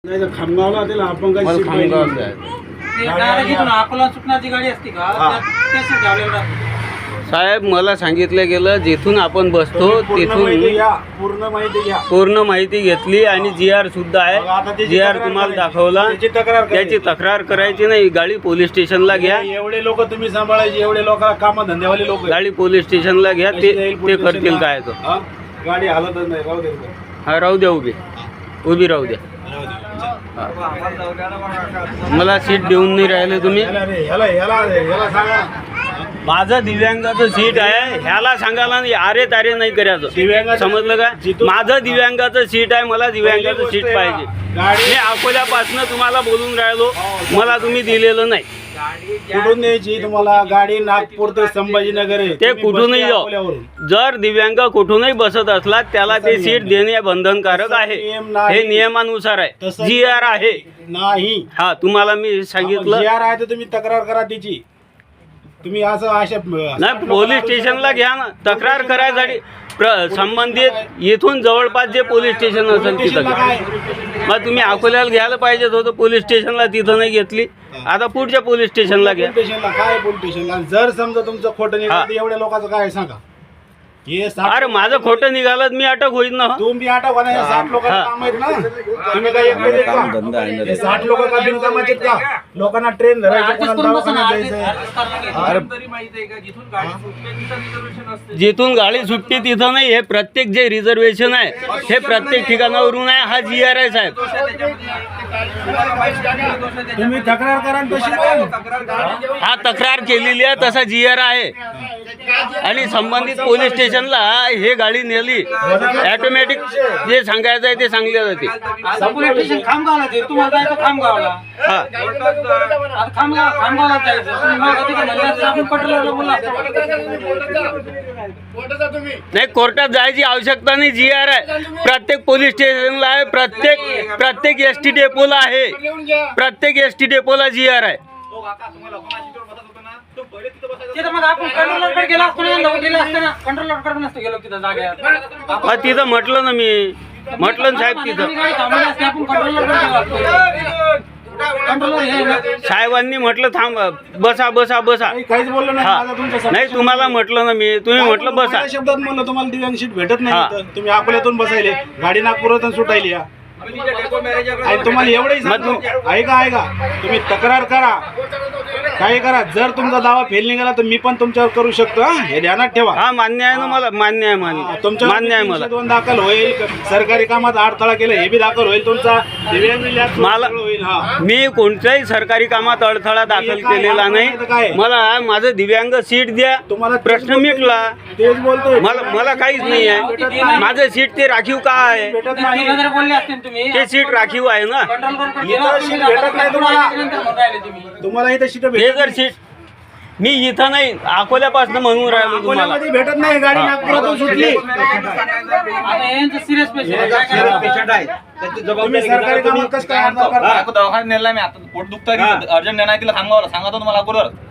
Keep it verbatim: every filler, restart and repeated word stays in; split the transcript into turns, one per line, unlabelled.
नाही तर खामगावला त्याला आपण काही सीट पाहिजे.
ते direct इथून अकोला सुटण्याची गाडी असते का त्यात ते सीट ठेवलेलं राहतं.
साहेब मला सांगितलं गेलं जिथून आपण बसतो
पूर्ण माहिती
तिथून
घ्या, पूर्ण माहिती घ्या.
पूर्ण माहिती घेतली आणि जी आर सुद्धा
मग आता
आहे.
त्याची
जी आर
तक्रार
तुम्हाला
करायची.
दाखवला.
त्याची तक्रार करायची.
त्याची तक्रार करायची नाही. गाडी पोलीस स्टेशनला घ्या.
एवढे लोक तुम्ही सांभाळायचे, एवढे लोक काम धंद्यावाले लोक
गाडी पोलीस स्टेशनला घ्या. ते ते करतील काय तो.
गाडी हालतच नाही, राहू दे.
हा राहू द्या, उभी उभी राहू द्या. मला सीट देऊन नाही राहिले तुम्ही.
ह्याला रे, ह्याला ह्याला ह्याला सांगा.
माझं दिव्यांगाचं सीट आहे. ह्याला सांगायला नाही, अरे तारे नाही करायचं.
दिव्यांगाचं-
समजलं का?
जिथून-
माझं दिव्यांगाचं सीट आहे. मला दिव्यांगाचं
पहिली
सीट
गोष्ट
पाहिजे.
गाडी-
मी अकोल्यापासून तुम्हाला बोलून राहिलो, मला तुम्ही दिलेलं नाही.
कुठून न्यायची तुम्हाला गाडी? नागपूर ते संभाजीनगर आहे.
ते
तुम्ही
कुठूनही
बसले
जाऊ.
अकोल्यावरून.
जर दिव्यांग कुठूनही बसत असला त्याला ते
तसा
सीट
नियम
देणे बंधनकारक
तसा
आहे.
नियम नाही.
हे नियमानुसार आहे.
तसा
जी आर आहे.
नाही.
हा तुम्हाला मी सांगितलं.
जी आर आहे तर तुम्ही तक्रार करा त्याची. तुम्ही असं अशा
नाही, पोलीस स्टेशनला घ्या ना. तक्रार करायसाठी प्र संबंधित इथून जवळपास जे पोलीस स्टेशन असेल तिथं घ्या. मग तुम्ही अकोल्याला घ्यायला पाहिजेत होतं पोलीस स्टेशनला, तिथं नाही घेतली. आता पुढच्या पोलीस स्टेशनला घ्या.
पोलीस स्टेशनला काय? पोलीस स्टेशनला जर समजा तुमचं खोटं निघालं तर एवढ्या लोकांचं काय सांगा? हे साठ-
अरे माझं खोटं निघालं मी अटक होईल ना.
तुम्ही आठा होणार, हे साठ लोकांचं
हा.
काम आहेत ना. तुम्ही काय एकटे आहेत का? हे साठ लोक का बिनकामाचे आहेत का? लोकांना ट्रेन धरायचं,
Adjust
कोणाला
करून बसा ना,
दवाखान्यात
adjust-
जायचंय.
adjust करायला लागेल.
अरे
तरी माहिती आहे का जिथून गाडी सुटते तिथं रिझर्वेशन असते.
जिथून गाडी सुटते तिथं नाही. हे प्रत्येक जे रिझर्वेशन आहे हे प्रत्येक ठिकाणावरून आहे. हा जी आर आहे साहेब.
तुम्ही तक्रार करा आणि तशी पण.
तक्रार गाडी
हा तक्रार केलेली आहे, तसा जी आर आहे. आणि संबंधित पोलीस स्टेशनला हे गाडी नेली ऑटोमॅटिक जे सांगायचं आहे ते सांगले जाते.
पोलीस स्टेशन खामगावला ते तुम्हाला जायचं खामगावला.
हा
आता खामगाव खामगावला जायचं तुम्ही मग कधी का म्हणलं असतं आपण पटलं बोला.
नाही, कोर्टात जायची आवश्यकता नाही. जी आर आहे प्रत्येक पोलीस स्टेशनला आहे. प्रत्येक प्रत्येक एस टी डेपोला आहे. प्रत्येक एस टी डेपोला जी आर आहे.
तिथं मग आपण कंट्रोलरकडे गेला असतो ना, लोक गेले असते ना, कंट्रोलरकडे नसतो गेलो तिथं जागेवर.
हा तिथं म्हटलं ना मी. म्हटलं ना साहेब तिथं.
गाडी थांबवली असते, आपण कंट्रोलरकडे गेलो असतो. कंट्रोलर हे ना.
साहेबांनी म्हटलं थांब, बसा बसा बसा.
काही- काहीच बोललो नाही.
हा
माझा तुमच्या समोर-
नाही, तुम्हाला म्हटलं ना मी. तुम्ही म्हटलं बसा.
माझ्या शब्दात म्हणलं तुम्हाला दिव्यांग सीट भेटत
हा.
नाही इथं. तुम्ही अकोल्यातून बसायले, गाडी नागपुरातून सुटायली या. आणि तुम्हाला एवढंही सांगतो, ऐका ऐका तुम्ही तक्रार करा, काय करा. जर तुमचा दावा फेल निघाला तर मी पण तुमच्यावर करू शकतो. हा? हे ध्यानात ठेवा.
हा मान्य आहे ना मला. मान्य आहे मान्य
तुमच्यावर
मान्य आहे मला.
तीनशे दोन दाखल होईल. सरकारी कामात अडथळा केला हे बी दाखल होईल. तुमचा दिव्यांग लॅब
मला-
सगळं होईल. हा
मी कोणत्याही सरकारी कामात अडथळा दाखल
काय-
केलेला
काय-
नाही.
काय?
मला माझं दिव्यांग सीट द्या.
तुम्हाला तेच
प्रश्न
बोलतोय.
मिटला.
तेच बोलतोय.
मला मला काहीच नाही आहे. माझं सीट ते राखीव का आहे?
भेटत
तीन
नाही.
हजार बोलले असते ना तुम्ही.
ते सीट राखीव आहे ना.
कंट्रोलरकडे
इथं
गेला
सीट भेटत नाही तुम्हाला.
राहिले तुम्ही.
तुम्हाला इथं सीट
ते
भेटत
जर सीट मी इथं नाही अकोल्यापासून म्हणून राहिलो तुम्हाला.
अकोल्यामध्ये भेटत नाही. गाडी नागपुरातून सुटली.
आता यांचं सिरियस पेशंट आहे. काय करायचं?
तुम्ही सरकारी कामात कसं काय अडथळा करता?
दवाखान्यात नेला मी आता पोट दुखतं अर्जंट नेणार तिला सांगावं सांगा तुम्हाला अगोदर